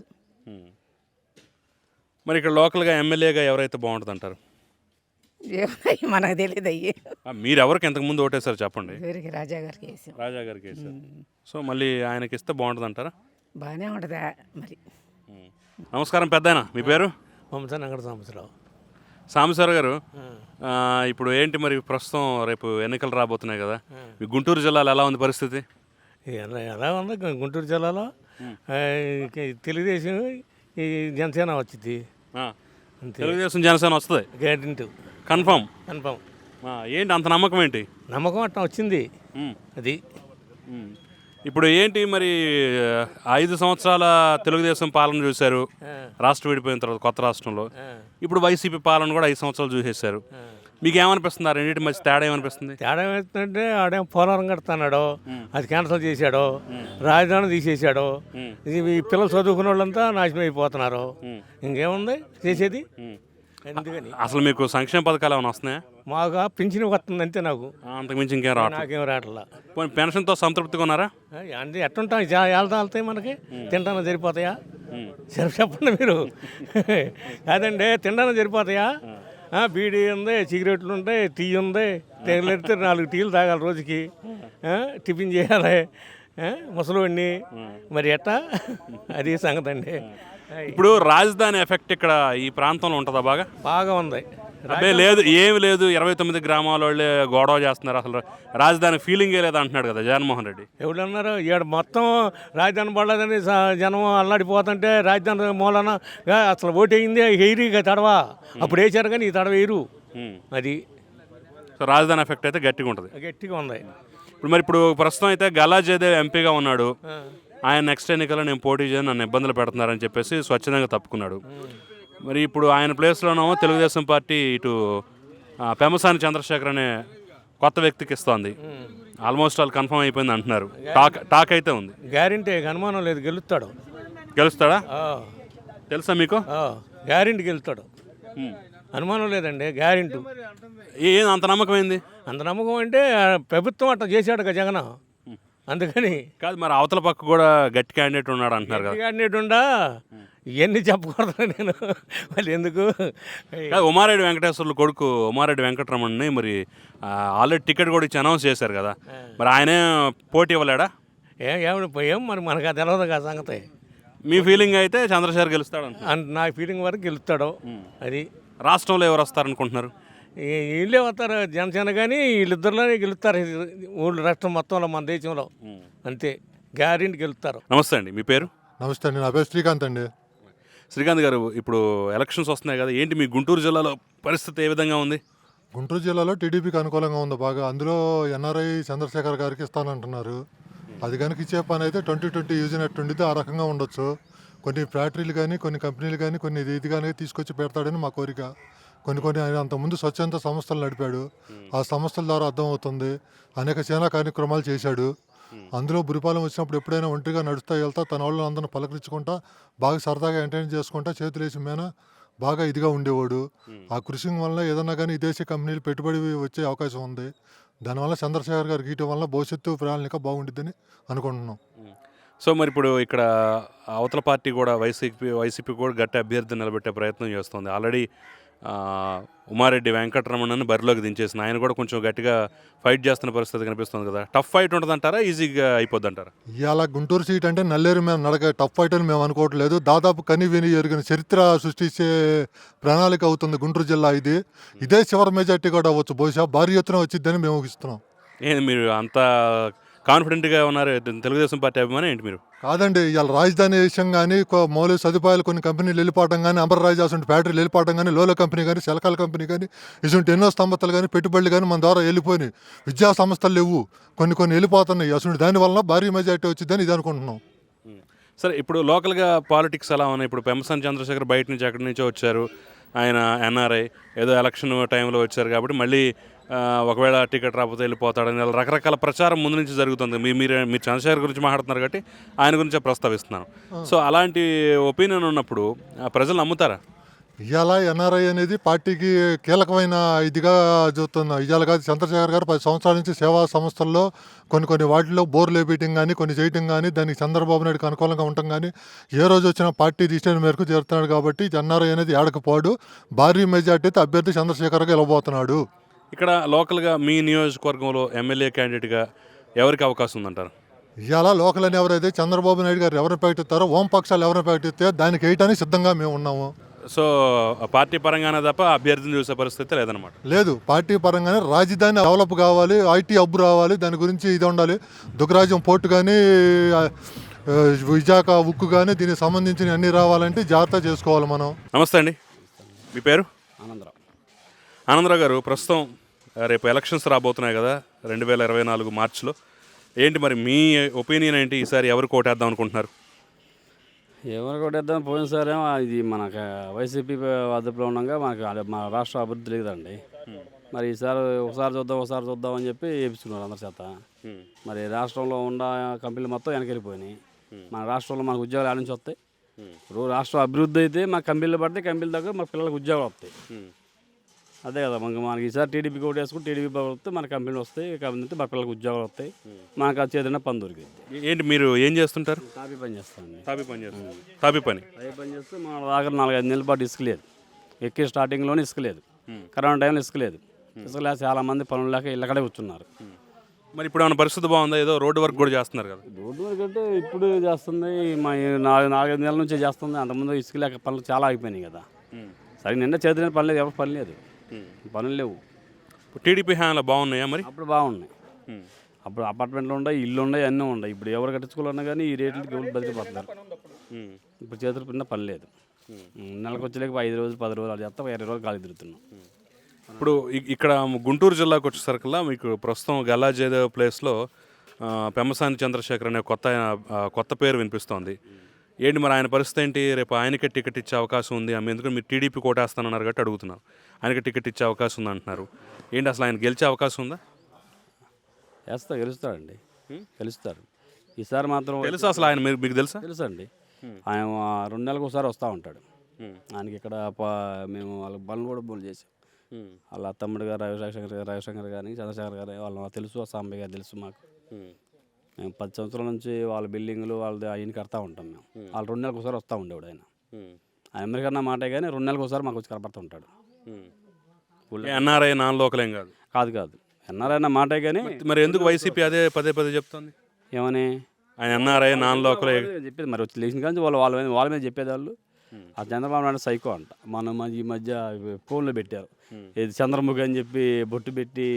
[SPEAKER 1] మరి ఇక్కడ లోకల్గా ఎమ్మెల్యేగా ఎవరైతే బాగుంటుంది అంటారు?
[SPEAKER 4] మనకు తెలియదు అయ్యి.
[SPEAKER 1] మీరు ఎవరికి ఎంతకుముందు ఓటేసారు చెప్పండి?
[SPEAKER 4] రాజా గారికి వేసాం.
[SPEAKER 1] రాజా గారికి వేసారు. సో మళ్ళీ ఆయనకి ఇస్తే బాగుంటుంది అంటారా?
[SPEAKER 4] బాగానే ఉంటుంది మరి.
[SPEAKER 1] నమస్కారం పెద్దాయన, మీ పేరు?
[SPEAKER 5] సాంబశివరావు.
[SPEAKER 1] సాంబశివరావు గారు, ఇప్పుడు ఏంటి మరి ప్రస్తుతం రేపు ఎన్నికలు రాబోతున్నాయి కదా, మీ గుంటూరు జిల్లాలో ఎలా ఉంది పరిస్థితి?
[SPEAKER 5] ఎలా ఉంది గుంటూరు జిల్లాలో? తెలుగుదేశం జనసేన వచ్చింది.
[SPEAKER 1] తెలుగుదేశం జనసేన వస్తుంది
[SPEAKER 5] గ్యారెంటీ,
[SPEAKER 1] కన్ఫామ్. ఏంటి అంత నమ్మకం? ఏంటి
[SPEAKER 5] నమ్మకం? అట్లా వచ్చింది అది.
[SPEAKER 1] ఇప్పుడు ఏంటి మరి 5 సంవత్సరాల తెలుగుదేశం పాలన చూశారు రాష్ట్రం విడిపోయిన తర్వాత కొత్త రాష్ట్రంలో. ఇప్పుడు వైసీపీ పాలన కూడా 5 సంవత్సరాలు చూసేశారు. మీకు ఏమనిపిస్తుంది? ఆ రెండింటి మధ్య తేడా ఏమనిపిస్తుంది?
[SPEAKER 5] తేడా ఏమవుతుందంటే ఆడేం పోలవరం కడుతున్నాడు, అది క్యాన్సిల్ చేశాడు, రాజధాని తీసేశాడు, ఈ పిల్లలు చదువుకున్న వాళ్ళంతా నాశనం అయిపోతున్నారు. ఇంకేముంది చేసేది? ఎందుకని
[SPEAKER 1] అసలు మీకు సంక్షేమ పథకాలు ఏమైనా వస్తున్నాయా?
[SPEAKER 5] మాకు పింఛన్ వస్తుంది అంతే నాకు,
[SPEAKER 1] అంతకుమించి ఇంకేం రావట్లేదు.
[SPEAKER 5] నాకేం రావట్లా.
[SPEAKER 1] పోనీ పెన్షన్తో సంతృప్తిగా ఉన్నారా?
[SPEAKER 5] అంటే ఎట్టుంటాం, వెళ్తాయి మనకి, తింటాను సరిపోతాయా? చెప్పండి మీరు. కాదండి, తింటాను సరిపోతాయా? బీడీ ఉంది, సిగరెట్లు ఉంటాయి, టీ ఉంది, తెగలెడితే 4 టీలు తాగాలి రోజుకి, టిఫిన్ చేయాలి, ముసలివాడిని, మరి ఎట్టా? అది సంగతి అండి.
[SPEAKER 1] ఇప్పుడు రాజధాని ఎఫెక్ట్ ఇక్కడ ఈ ప్రాంతంలో ఉంటుందా?
[SPEAKER 5] బాగా ఉంది.
[SPEAKER 1] అబ్బే లేదు, ఏమి లేదు, 29 గ్రామాల వాళ్ళే గొడవ చేస్తున్నారు, అసలు రాజధాని ఫీలింగే లేదు అంటున్నాడు కదా జగన్మోహన్ రెడ్డి.
[SPEAKER 5] ఎవడన్నారు? ఈడ మొత్తం రాజధాని పడలేదని జనం అల్లాడిపోతుంటే రాజధాని మూలన అసలు ఓటేయింది ఎయిరిగా తడవా, అప్పుడు వేసారు కానీ ఈ తడవ వేయరు. అది
[SPEAKER 1] సో రాజధాని ఎఫెక్ట్ అయితే గట్టిగా ఉంటుంది.
[SPEAKER 5] గట్టిగా ఉంది.
[SPEAKER 1] ఇప్పుడు ప్రస్తుతం అయితే గల్లా జయదేవ్ ఎంపీగా ఉన్నాడు. ఆయన నెక్స్ట్ ఎన్నికల్లో నేను పోటీ చేయను, నన్ను ఇబ్బందులు పెడుతున్నారని చెప్పేసి స్వచ్ఛందంగా తప్పుకున్నాడు. మరి ఇప్పుడు ఆయన ప్లేస్లోనేమో తెలుగుదేశం పార్టీ ఇటు పెమ్మసాని చంద్రశేఖర్ అనే కొత్త వ్యక్తికి ఇస్తోంది. ఆల్మోస్ట్ ఆల్ కన్ఫర్మ్ అయిపోయింది అంటున్నారు. టాక్ అయితే ఉంది.
[SPEAKER 5] గ్యారెంటీ, అనుమానం లేదు, గెలుస్తాడు.
[SPEAKER 1] గెలుస్తాడా? తెలుసా మీకు?
[SPEAKER 5] గ్యారెంటీ గెలుస్తాడు, అనుమానం లేదండి, గ్యారెంటీ.
[SPEAKER 1] ఏం అంత నమ్మకం ఏంది?
[SPEAKER 5] అంత నమ్మకం అంటే ప్రభుత్వం అట్లా చేశాడు కదా జగన్, అందుకని.
[SPEAKER 1] కాదు, మరి అవతల పక్క కూడా గట్టి క్యాండిడేట్ ఉన్నాడు అంటున్నారు కదా.
[SPEAKER 5] క్యాండిడేట్ ఉండా ఇవన్నీ చెప్పకూడదు నేను, వాళ్ళు ఎందుకు.
[SPEAKER 1] ఉమారెడ్డి వెంకటేశ్వర్లు కొడుకు ఉమారెడ్డి వెంకటరమణ్ని మరి ఆల్రెడీ టికెట్ కూడా ఇచ్చి అనౌన్స్ చేశారు కదా, మరి ఆయనే పోటీ ఇవ్వలేడా?
[SPEAKER 5] ఏం మరి మనకు అది తెలియదు కదా సంగతి.
[SPEAKER 1] మీ ఫీలింగ్ అయితే చంద్రశేఖర్ గెలుస్తాడు
[SPEAKER 5] నా ఫీలింగ్ వరకు గెలుస్తాడు. అది
[SPEAKER 1] రాష్ట్రంలో ఎవరు వస్తారనుకుంటున్నారు?
[SPEAKER 5] వీళ్ళే వస్తారు, జనసేన కానీ వీళ్ళిద్దరిలోనే గెలుస్తారు ఊళ్ళో, రాష్ట్రం మొత్తంలో, మన దేశంలో అంతే, గ్యారెంటీ గెలుస్తారు.
[SPEAKER 1] నమస్తే అండి, మీ పేరు?
[SPEAKER 6] నమస్తే అండి, నా పేరు శ్రీకాంత్ అండి.
[SPEAKER 1] శ్రీకాంత్ గారు, ఇప్పుడు ఎలక్షన్స్ వస్తున్నాయి కదా, ఏంటి మీ గుంటూరు జిల్లాలో పరిస్థితి ఏ విధంగా ఉంది?
[SPEAKER 6] గుంటూరు జిల్లాలో టీడీపీకి అనుకూలంగా ఉంది బాగా. అందులో ఎన్ఆర్ఐ చంద్రశేఖర్ గారికి ఇస్తానంటున్నారు. అది కనుక ఇచ్చే పని అయితే 2020 యూజ్ అయినట్టుండితే ఆ రకంగా ఉండొచ్చు. కొన్ని ఫ్యాక్టరీలు కానీ, కొన్ని కంపెనీలు కానీ, కొన్ని ఇది కానీ తీసుకొచ్చి పెడతాడని మా కోరిక. కొన్ని ఆయన అంతకుముందు స్వచ్ఛంద సంస్థలు నడిపాడు, ఆ సంస్థల ద్వారా అర్థమవుతుంది. అనేక సేనా కార్యక్రమాలు చేశాడు. అందులో బురిపాలెం వచ్చినప్పుడు ఎప్పుడైనా ఒంటరిగా నడుస్తా వెళ్తా తన వాళ్ళని అందరిని పలకరించుకుంటా బాగా సరదాగా ఎంటర్టైన్ చేసుకుంటా చేతులేసి మేన బాగా ఇదిగా ఉండేవాడు. ఆ కృషి వల్ల ఏదన్నా కానీ విదేశీ కంపెనీలు పెట్టుబడి వచ్చే అవకాశం ఉంది. దానివల్ల చంద్రశేఖర్ గారికి ఇటు వల్ల భవిష్యత్తు ప్రణాళిక బాగుంటుందని అనుకుంటున్నాం.
[SPEAKER 1] సో మరి ఇప్పుడు ఇక్కడ అవతల పార్టీ కూడా వైసీపీ కూడా గట్టి అభ్యర్థిని నిలబెట్టే ప్రయత్నం చేస్తుంది. ఆల్రెడీ ఉమారెడ్డి వెంకటరమణని బరిలోకి దించేసిన ఆయన కూడా కొంచెం గట్టిగా ఫైట్ చేస్తున్న పరిస్థితి కనిపిస్తుంది కదా. టఫ్ ఫైట్ ఉంటుందంటారా, ఈజీగా అయిపోద్ది అంటారా?
[SPEAKER 6] ఇవాళ గుంటూరు సీట్ అంటే నల్లేరు మేము నడక టఫ్ ఫైట్ అని మేము అనుకోవట్లేదు. దాదాపు కని విని ఎరిగిన చరిత్ర సృష్టించే ప్రణాళిక అవుతుంది గుంటూరు జిల్లా. ఇదే చివరి మెజార్టీ కూడా అవ్వచ్చు, బహుశా భారీ ఎత్తున వచ్చిద్దని మేము ఊహిస్తున్నాం.
[SPEAKER 1] ఏంటి మీరు అంత కాన్ఫిడెంట్గా ఉన్నారు? తెలుగుదేశం పార్టీ అభిమానం ఏంటి మీరు?
[SPEAKER 6] కాదండి, ఇవాళ రాజధాని విషయం కానీ, మౌలిక సదుపాయాలు కొన్ని కంపెనీలు వెళ్ళిపోవడం కానీ, అమరరాజు అసలు ఫ్యాక్టరీలు వెళ్ళిపోవడం కానీ, లోలో కంపెనీ కానీ, సెలకాల కంపెనీ కానీ, ఇటువంటి ఎన్నో సంస్థలు కానీ, పెట్టుబడులు కానీ మన ద్వారా వెళ్ళిపోయినాయి. విద్యా సంస్థలు లేవు, కొన్ని వెళ్ళిపోతున్నాయి. అసలు దానివల్ల భారీ మెజార్టీ వచ్చిందని ఇది అనుకుంటున్నాం.
[SPEAKER 1] సరే, ఇప్పుడు లోకల్గా పాలిటిక్స్ ఎలా ఉన్నాయి? ఇప్పుడు పెమ్మసాని చంద్రశేఖర్ బయట నుంచి ఎక్కడి నుంచో వచ్చారు, ఆయన ఎన్ఆర్ఐ, ఏదో ఎలక్షన్ టైంలో వచ్చారు కాబట్టి మళ్ళీ ఒకవేళ టికెట్ రాకపోతే వెళ్ళిపోతాడని రకరకాల ప్రచారం ముందు నుంచి జరుగుతుంది. మీరు చంద్రశేఖర్ గురించి మాట్లాడుతున్నారు కాబట్టి ఆయన గురించే ప్రస్తావిస్తున్నాను. సో అలాంటి ఒపీనియన్ ఉన్నప్పుడు ప్రజలు నమ్ముతారా?
[SPEAKER 6] ఇవాళ ఎన్ఆర్ఐ అనేది పార్టీకి కీలకమైన ఇదిగా చూస్తున్నాం. ఇవాళ కాదు, చంద్రశేఖర్ గారు 10 సంవత్సరాల నుంచి సేవా సంస్థల్లో కొన్ని వాటిల్లో బోర్లు వేయటం కానీ, కొన్ని చేయటం కానీ, దానికి చంద్రబాబు నాయుడుకి అనుకూలంగా ఉండటం కానీ, ఏ రోజు వచ్చిన పార్టీ డిసిషన్ మేరకు చేరుతున్నాడు కాబట్టి ఎన్ఆర్ఐ అనేది ఏడకపోడు. భారీ మెజార్టీతో అభ్యర్థి చంద్రశేఖర్ గెలవబోతున్నాడు.
[SPEAKER 1] ఇక్కడ లోకల్గా మీ నియోజకవర్గంలో ఎమ్మెల్యే క్యాండిడేట్గా ఎవరికి అవకాశం ఉందంటారు?
[SPEAKER 6] ఇవాళ లోకల్ అని ఎవరైతే చంద్రబాబు నాయుడు గారు ఎవరిని ప్రకటిస్తారో, ఓంపక్షాలు ఎవరిని ప్రకటిస్తే దానికి వేయటానికి సిద్ధంగా మేము ఉన్నాము.
[SPEAKER 1] సో పార్టీ పరంగానే తప్ప అభ్యర్థిని చూసే పరిస్థితి లేదనమాట?
[SPEAKER 6] లేదు, పార్టీ పరంగానే రాజధాని డెవలప్ కావాలి, ఐటీ హబ్ రావాలి, దాని గురించి ఇది ఉండాలి. దుగ్గరాజ్యం పోర్టు కానీ, విశాఖ ఉక్కు కానీ, దీనికి సంబంధించిన అన్నీ రావాలంటే జాగ్రత్త చేసుకోవాలి మనం.
[SPEAKER 1] నమస్తే అండి, మీ పేరు?
[SPEAKER 7] ఆనందరావు
[SPEAKER 1] గారు, ప్రస్తుతం రేపు ఎలక్షన్స్ రాబోతున్నాయి కదా 2024 మార్చిలో. ఏంటి మరి మీ ఒపీనియన్ ఏంటి? ఈసారి ఎవరు కోటేద్దాం అనుకుంటున్నారు?
[SPEAKER 7] ఎవరు కొట్టేద్దాం, పోయినసారేమో ఇది మనకు వైసీపీ అదుపులో ఉండగా మనకు మా రాష్ట్ర అభివృద్ధి లేదండి. మరి ఈసారి ఒకసారి చూద్దాం అని చెప్పి వేపించుకున్నారు అందరి చేత. మరి రాష్ట్రంలో ఉన్న కంపెనీలు మొత్తం వెనకెళ్ళిపోయినాయి. మన రాష్ట్రంలో మనకు ఉద్యోగాలు ఆడ నుంచి వస్తాయి. ఇప్పుడు రాష్ట్రం అభివృద్ధి అయితే మన కంపెనీలు పడితే కంపెనీల దగ్గర మన పిల్లలకు ఉద్యోగాలు వస్తాయి. అదే కదా మనకి ఈసారి టీడీపీకి ఓటు వేసుకుని టీడీపీ వస్తే మన కంపెనీలు వస్తాయి. కంపెనీ మన పిల్లలకు ఉద్యోగాలు వస్తాయి. మనకు అది చేదైనా పని దొరికింది.
[SPEAKER 1] ఏంటి మీరు ఏం చేస్తుంటారు?
[SPEAKER 7] తాపీ పని చేస్తామండి.
[SPEAKER 1] తాపీ పని చేస్తారు. తాపీ పని
[SPEAKER 7] చేస్తే మన దగ్గర 4-5 నెలల పాటు ఇసుక లేదు. ఎక్కే స్టార్టింగ్లోనే ఇసుక లేదు. కరోనా టైంలో ఇసుక లేదు. ఇసుక లేక చాలామంది పనులు లేక ఇళ్ళకడే కూర్చున్నారు.
[SPEAKER 1] మరి ఇప్పుడు ఏమైనా పరిస్థితి బాగుందా? ఏదో రోడ్డు వర్క్ కూడా చేస్తున్నారు కదా.
[SPEAKER 7] రోడ్డు వరకు అంటే ఇప్పుడు చేస్తుంది. మా 4-5 నెలల నుంచే చేస్తుంది. అంతకుముందు ఇసుక లేక పనులు చాలా అయిపోయినాయి కదా. సరే నిన్న చేతిన పని లేదు, ఎవరు పని లేదు, పనులు లేవు.
[SPEAKER 1] టీడీపీ హ్యాండ్లో బాగున్నాయా మరి?
[SPEAKER 7] అప్పుడు బాగున్నాయి. అప్పుడు అపార్ట్మెంట్లు ఉన్నాయి, ఇల్లు ఉన్నాయి, అన్నీ ఉన్నాయి. ఇప్పుడు ఎవరు కట్టించుకోవాలన్నా కానీ ఈ రేట్లకి ఎవరు బతికిపోతున్నారు. ఇప్పుడు చేతులు పిన్న పని లేదు. నెలకు వచ్చేలేక 5 రోజులు 10 రోజులు చేస్తా 20 రోజులు గాలి తిరుగుతున్నాం.
[SPEAKER 1] ఇప్పుడు ఇక్కడ గుంటూరు జిల్లాకు వచ్చేసరికల్లా మీకు ప్రస్తుతం గల్లా జయదేవ్ ప్లేస్లో పెమ్మసాని చంద్రశేఖర్ అనే కొత్త పేరు వినిపిస్తోంది. ఏంటి మరి ఆయన పరిస్థితి ఏంటి? రేపు ఆయనకే టికెట్ ఇచ్చే అవకాశం ఉంది. ఎందుకంటే మీరు టీడీపీ కోటేస్తానన్నారు కాబట్టి అడుగుతున్నాను. ఆయనకి టికెట్ ఇచ్చే అవకాశం ఉంది అంటున్నారు. ఏంటి అసలు ఆయన గెలిచే అవకాశం ఉందా?
[SPEAKER 7] గెలుస్తాడండి, గెలుస్తారు. ఈసారి మాత్రం
[SPEAKER 1] తెలుసా అసలు ఆయన? మీకు తెలుసా?
[SPEAKER 7] తెలుసండి. ఆయన 2 నెలలకు ఒకసారి వస్తూ ఉంటాడు. ఆయనకి ఇక్కడ మేము వాళ్ళ పనులు కూడా బోల్ చేసాం. వాళ్ళ తమ్ముడు గారు రవిశంకర్ గారిని చంద్రశేఖర్ గారు వాళ్ళ తెలుసు, సాంబయ్య గారు తెలుసు మాకు. మేము 10 సంవత్సరాల నుంచి వాళ్ళ బిల్డింగ్లు వాళ్ళది ఆయన కడతా ఉంటాం. మేము వాళ్ళు 2 నెలలకు ఒకసారి వస్తూ ఉండేవాడు. ఆయన అమెరికన్నా మాటే కానీ 2 నెలలకు ఒకసారి మాకు వచ్చి కనపడుతూ ఉంటాడు.
[SPEAKER 1] ఎన్ఆర్ఐ నాన్ లోకల్ ఏం కాదు.
[SPEAKER 7] కాదు ఎన్ఆర్ఐ అన్న మాటే కానీ
[SPEAKER 1] మరి ఎందుకు వైసీపీ అదే పదే చెప్తుంది?
[SPEAKER 7] ఏమని
[SPEAKER 1] ఆయన ఎన్ఆర్ఐ నాన్ లోకల్
[SPEAKER 7] చెప్పేది. మరి వచ్చి లేచిన కానీ వాళ్ళ మీద చెప్పేది వాళ్ళు. ఆ చంద్రబాబు నాయుడు సైకో అంట. మనం ఈ మధ్య ఫోన్లో పెట్టారు, ఇది చంద్రముఖి అని చెప్పి బొట్టు పెట్టి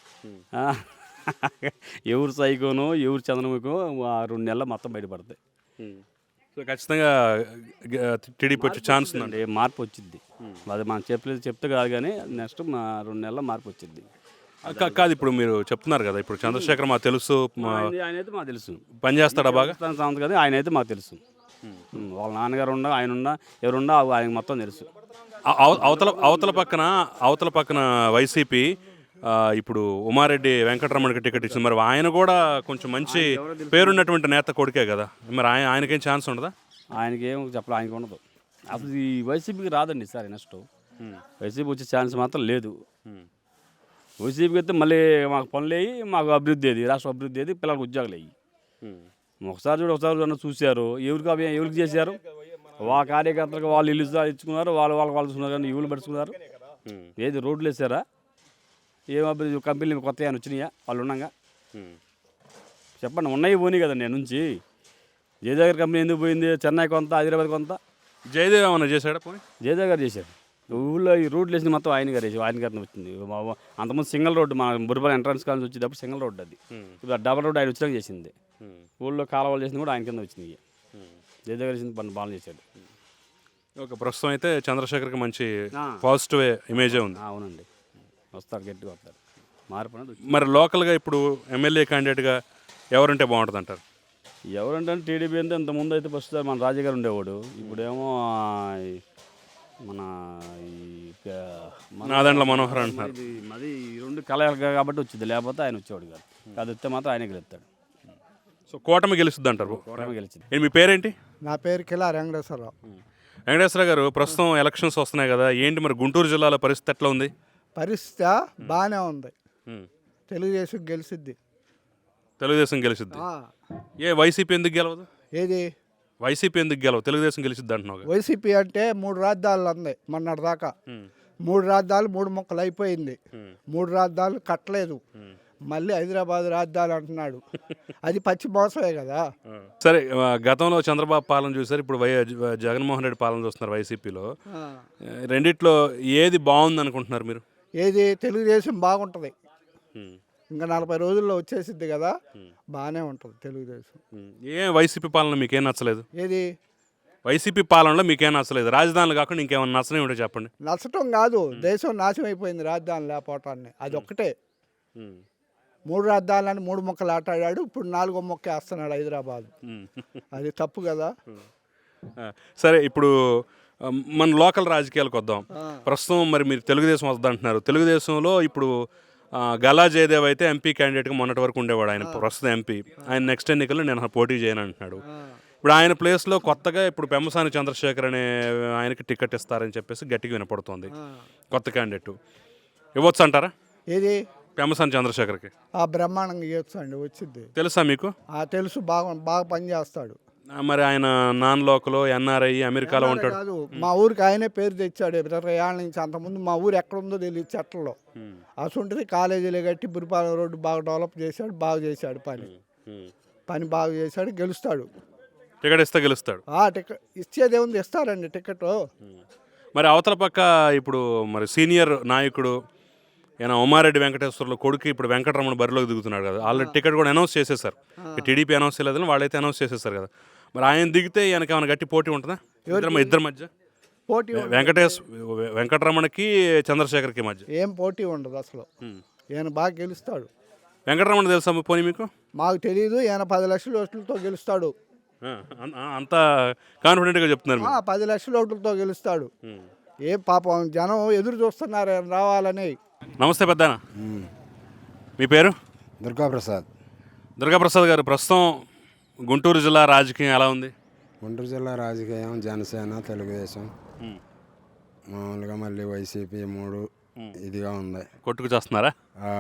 [SPEAKER 7] ఎవరు సైకోనో ఎవరు చంద్రముఖో 2 నెలల మొత్తం బయటపడతాయి.
[SPEAKER 1] సో ఖచ్చితంగా టీడీపీ వచ్చే ఛాన్స్ ఉందండి.
[SPEAKER 7] మార్పు వచ్చింది. అది మనం చెప్తే కాదు కానీ నెక్స్ట్ 2 నెలల మార్పు వచ్చింది.
[SPEAKER 1] కాదు ఇప్పుడు మీరు చెప్తున్నారు కదా, ఇప్పుడు చంద్రశేఖర్ మాకు తెలుసు,
[SPEAKER 7] ఆయన అయితే మాకు తెలుసు
[SPEAKER 1] పని చేస్తాడా బాగా
[SPEAKER 7] కదా. ఆయన అయితే మాకు తెలుసు. వాళ్ళ నాన్నగారు ఉండా, ఆయన ఉండా, ఎవరుండా ఆయనకు మొత్తం తెలుసు.
[SPEAKER 1] అవతల పక్కన వైసీపీ ఇప్పుడు ఉమారెడ్డి వెంకటరమణకి టికెట్ ఇచ్చింది. మరి ఆయన కూడా కొంచెం మంచి పేరున్నటువంటి నేత కొడుకే కదా. మరి ఆయనకేం ఛాన్స్ ఉండదా?
[SPEAKER 7] ఆయనకి ఏం చెప్పాలి, ఆయనకి ఉండదు. అసలు ఈ వైసీపీకి రాదండి సార్. నెక్స్ట్ వైసీపీ వచ్చే ఛాన్స్ మాత్రం లేదు. వైసీపీకి అయితే మళ్ళీ మాకు పనులు అయ్యి, మాకు అభివృద్ధి ఏది, రాష్ట్ర అభివృద్ధి ఏది, పిల్లలకు ఉద్యోగాలు అయ్యి. ఒకసారి చూశారు. ఎవరికి చేశారు? వాళ్ళ కార్యకర్తలకు వాళ్ళు ఇల్లు ఇచ్చుకున్నారు, వాళ్ళు చూసుకున్నారు. కానీ ఇల్లు పడుచుకున్నారు. ఏది రోడ్లు వేసారా? ఏం అభివృద్ధి? కంపెనీలు కొత్త ఏమైనా వచ్చినాయా వాళ్ళు ఉన్నాగా? చెప్పండి. ఉన్నాయి పోనీ కదా. నేను నుంచి జయదేవ్ కంపెనీ ఎందుకు పోయింది? చెన్నై కొంత, హైదరాబాద్ కొంత.
[SPEAKER 1] జయదేవ్ ఏమన్నా చేశాడా? పోనీ
[SPEAKER 7] జయదేవ్ గారు చేశారు. ఊళ్ళో ఈ రోడ్లు వేసిన మొత్తం ఆయన గారు వచ్చింది. అంతకుముందు సింగిల్ రోడ్డు, మన బుర్రపల్లి ఎంట్రన్స్ కాలేజ్ వచ్చేటప్పుడు సింగిల్ రోడ్డు. అది ఇప్పుడు డబల్ రోడ్డు ఆయన వచ్చినాక చేసింది. ఊళ్ళో కాలువలు చేసింది కూడా ఆయన కింద వచ్చింది. జయదేవ్ గారు చేసింది పని బాగా చేశాడు.
[SPEAKER 1] ఓకే, ప్రస్తుతం అయితే చంద్రశేఖర్కి మంచి పాజిటివ్ ఇమేజే ఉంది.
[SPEAKER 7] అవునండి, వస్తారు, గట్టిగా వస్తారు. మార్పు.
[SPEAKER 1] మరి లోకల్గా ఇప్పుడు ఎమ్మెల్యే క్యాండిడేట్గా ఎవరుంటే బాగుంటుంది అంటారు?
[SPEAKER 7] ఎవరంటే టీడీపీ అంటే ఇంతకుముందు అయితే ఫస్ట్ మన రాజు గారు ఉండేవాడు. ఇప్పుడేమో మన
[SPEAKER 1] నాదెండ్ల మనోహర్ అంటున్నారు.
[SPEAKER 7] అది 2 కలయిక కాబట్టి వచ్చింది, లేకపోతే ఆయన వచ్చేవాడు కాదు. అది వస్తే మాత్రం ఆయన గెలుస్తాడు.
[SPEAKER 1] సో కూటమి గెలుస్తుంది అంటారు.
[SPEAKER 7] కూటమి గెలిచింది.
[SPEAKER 1] మీ పేరేంటి?
[SPEAKER 8] నా పేరు కిలా వెంకటేశ్వరరావు.
[SPEAKER 1] వెంకటేశ్వర గారు, ప్రస్తుతం ఎలక్షన్స్ వస్తున్నాయి కదా, ఏంటి మరి గుంటూరు జిల్లాలో పరిస్థితి ఎట్లా ఉంది?
[SPEAKER 8] పరిస్థితి బాగానే ఉంది. తెలుగుదేశం గెలిచిద్ది.
[SPEAKER 1] తెలుగుదేశం గెలిచిద్ది. వైసీపీ ఎందుకు గెలవదు?
[SPEAKER 8] ఏది
[SPEAKER 1] వైసీపీ ఎందుకు గెలవు? తెలుగుదేశం గెలిచిద్ది అంటున్నావు.
[SPEAKER 8] వైసీపీ అంటే 3 రాజధానులు ఉంది మొన్నటి దాకా. 3 రాజధానులు 3 ముక్కలు అయిపోయింది. 3 రాజధానులు కట్టలేదు. మళ్ళీ హైదరాబాద్ రాజధాని అంటున్నాడు. అది పచ్చి మోసమే కదా.
[SPEAKER 1] సరే, గతంలో చంద్రబాబు పాలన చూసారు, ఇప్పుడు జగన్మోహన్ రెడ్డి పాలన చూస్తున్నారు వైసీపీలో. రెండిట్లో ఏది బాగుంది అనుకుంటున్నారు మీరు?
[SPEAKER 8] ఏది తెలుగుదేశం బాగుంటుంది. ఇంకా 40 రోజుల్లో వచ్చేసిద్ది కదా, బాగానే ఉంటుంది తెలుగుదేశం.
[SPEAKER 1] వైసీపీ పాలన మీకేం నచ్చలేదు?
[SPEAKER 8] ఏది
[SPEAKER 1] వైసీపీ పాలనలో మీకేం నచ్చలేదు? రాజధానులు కాకుండా ఇంకేమైనా నచ్చనే ఉంటే చెప్పండి.
[SPEAKER 8] నచ్చటం కాదు, దేశం నాశనం అయిపోయింది రాజధాని లేకపోవటాన్ని. అది ఒక్కటే. 3 రాజధానులని 3 ముక్కలు ఆటాడాడు. ఇప్పుడు 4వ ముక్క వేస్తున్నాడు హైదరాబాద్. అది తప్పు కదా.
[SPEAKER 1] సరే ఇప్పుడు మన లోకల్ రాజకీయాలకు వద్దాం. ప్రస్తుతం మరి మీరు తెలుగుదేశం వద్దంటున్నారు. తెలుగుదేశంలో ఇప్పుడు గల్లా జయదేవ్ అయితే ఎంపీ క్యాండిడేట్గా మొన్నటి వరకు ఉండేవాడు. ఆయన ప్రస్తుతం ఎంపీ. ఆయన నెక్స్ట్ ఎన్నికల్లో నేను పోటీ చేయను అంటున్నాడు. ఇప్పుడు ఆయన ప్లేస్లో కొత్తగా ఇప్పుడు పెమ్మసాని చంద్రశేఖర్ అనే ఆయనకి టికెట్ ఇస్తారని చెప్పేసి గట్టిగా వినపడుతుంది. కొత్త క్యాండిడేట్ ఇవ్వచ్చు అంటారా?
[SPEAKER 8] ఏది
[SPEAKER 1] పెమ్మసాని చంద్రశేఖర్కి
[SPEAKER 8] బ్రహ్మాండంగా ఇవ్వచ్చు అండి, వచ్చింది.
[SPEAKER 1] తెలుసా మీకు?
[SPEAKER 8] తెలుసు, బాగా బాగా పనిచేస్తాడు.
[SPEAKER 1] మరి ఆయన నాన్ లోకల్ ఎన్ఆర్ఐ అమెరికాలో ఉంటాడు
[SPEAKER 8] కాదు, మా ఊరికి ఆయనే పేరు తెచ్చాడు 20 ఏళ్ళ నుంచి. అంతకుముందు మా ఊరు ఎక్కడుందో తెలియదు, చెట్లలో. అసలుంటుంది కాలేజీలు కట్టి బురిపాలెం రోడ్డు బాగా డెవలప్ చేశాడు, బాగా చేశాడు పని బాగా చేశాడు. గెలుస్తాడు.
[SPEAKER 1] టికెట్ ఇస్తే గెలుస్తాడు.
[SPEAKER 8] టికెట్ ఇచ్చేదేముంది, ఇస్తారండి టికెట్.
[SPEAKER 1] మరి అవతల పక్క ఇప్పుడు మరి సీనియర్ నాయకుడు ఈయన ఉమారెడ్డి వెంకటేశ్వర్ల కొడుకు ఇప్పుడు వెంకటరమణ బరిలోకి దిగుతున్నాడు కదా. ఆల్రెడీ టికెట్ కూడా అనౌన్స్ చేసేసారు. టీడీపీ అనౌన్స్ చేయలేదని వాళ్ళైతే అనౌన్స్ చేసేసారు కదా. మరి ఆయన దిగితే ఈయనకి ఏమైనా గట్టి పోటీ ఉంటుందా ఇద్దరి మధ్య?
[SPEAKER 8] పోటీ
[SPEAKER 1] వెంకటరమణకి చంద్రశేఖర్కి మధ్య
[SPEAKER 8] ఏం పోటీ ఉండదు అసలు. ఈయన బాగా గెలుస్తాడు.
[SPEAKER 1] వెంకటరమణ తెలుసా పోనీ మీకు?
[SPEAKER 8] మాకు తెలియదు. ఈయన 10 లక్షల ఓట్లతో గెలుస్తాడు.
[SPEAKER 1] అంత కాన్ఫిడెంట్గా చెప్తున్నారు.
[SPEAKER 8] 10 లక్షల ఓట్లతో గెలుస్తాడు. ఏ పాపం జనం ఎదురు చూస్తున్నారు ఆయన రావాలని.
[SPEAKER 1] నమస్తే పెద్దనా, మీ పేరు?
[SPEAKER 9] దుర్గాప్రసాద్.
[SPEAKER 1] దుర్గాప్రసాద్ గారు, ప్రస్తుతం గుంటూరు జిల్లా రాజకీయం ఎలా ఉంది?
[SPEAKER 9] గుంటూరు జిల్లా రాజకీయం జనసేన, తెలుగుదేశం, మామూలుగా మళ్ళీ వైసీపీ 3 ఇదిగా ఉంది.
[SPEAKER 1] కొట్టుకు చేస్తున్నారా?